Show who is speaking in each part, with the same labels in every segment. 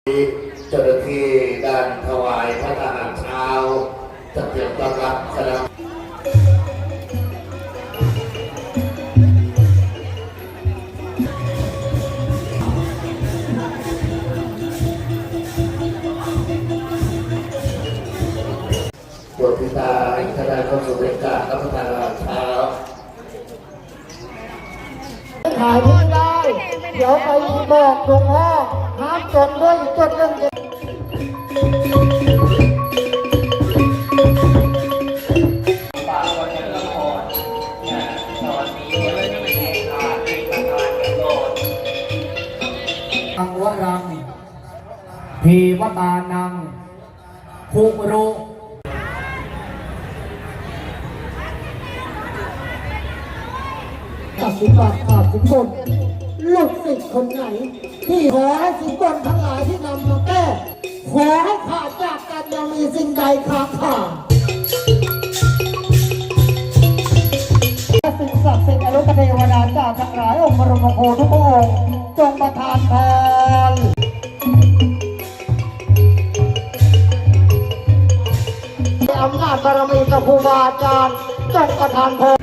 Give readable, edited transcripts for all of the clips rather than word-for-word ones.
Speaker 1: เจ้าหน้าที่ด้านถวายพระทหารเช้าจะเตรียมต้อนรับคณะบทพิธาคณะเข้าสู่บรรยากาศรับประทานอาหารเช้า
Speaker 2: ถ่ายไม่ได้ เดี๋ยวไปบอกหลวงพ่อห้ามจดด้วยจดเรื่องเดียวอังวรังพีวตานังภูโรตัดสินบาทขาดสินบนลูกศิษย์คนไหนที่ขอให้สินบนทั้งหลายที่นำมาแก้ขอให้ขาดจากกันยังมีสิ่งใดค้างคาสิ่งศักดิ์สิทธิ์อรุณเทวดาเจ้าทั้งหลายองค์บรมครูทุกพระองค์จงประทานพรอำนาจบารมีกับครูบาอาจารย์จงประทานพร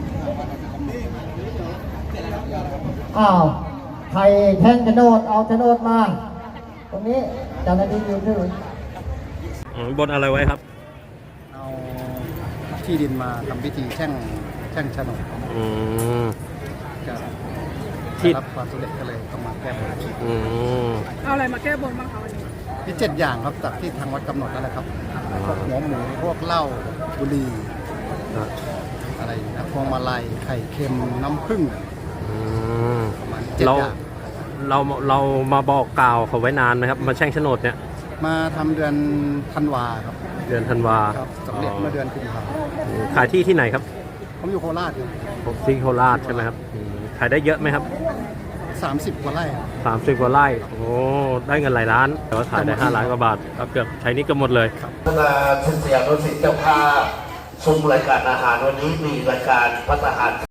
Speaker 2: อ้าวใครแท่งโฉนดเอาโฉนดมาตรงนี้เจ้าหน้าที่ยืนถื
Speaker 3: บนอะไรไว้ครับ
Speaker 4: เอาที่ดินมาทำพิธีแช่งโฉนดจะรับความสำเร็จก็เลยต้องมาแก้บน
Speaker 5: เอาอะไรมาแก้บนบ้างคะวันนี้
Speaker 4: ที่7 อย่างครับจากที่ทางวัดกำหนดนั่นแหละครับพวกหัวหมูพวกเหล้าบุหรี่อะไรนะพวงมาลัยไข่เค็มน้ำผึ้งประมาณ7 อย่าง
Speaker 3: เรามาบอกกล่าวเขาไว้นานไหมครับมาแช่งโฉนดเนี่ย
Speaker 4: มาทำเดือนธันวาครับ
Speaker 3: เดือนธันวา
Speaker 4: ครับสำเร็จเมื่อเดือนกุมภาพันธ์
Speaker 3: ขายที่ไหนครับ
Speaker 4: ผมอยู่โคราช
Speaker 3: ผมที่โคราชใช่ไหมครับขายได้เยอะไหมครับ
Speaker 4: 30 กว่าไร่
Speaker 3: 30 กว่าไร่โอ้ได้เงินหลายล้านแต่ว่าขายได้5 ล้านกว่าบาทก็เกือบใช้นี้ก็หมดเลย
Speaker 1: คณะเชียงรถสิทธิ์เจ้าภาพชมรายการอาหารวันนี้มีรายการพระทหาร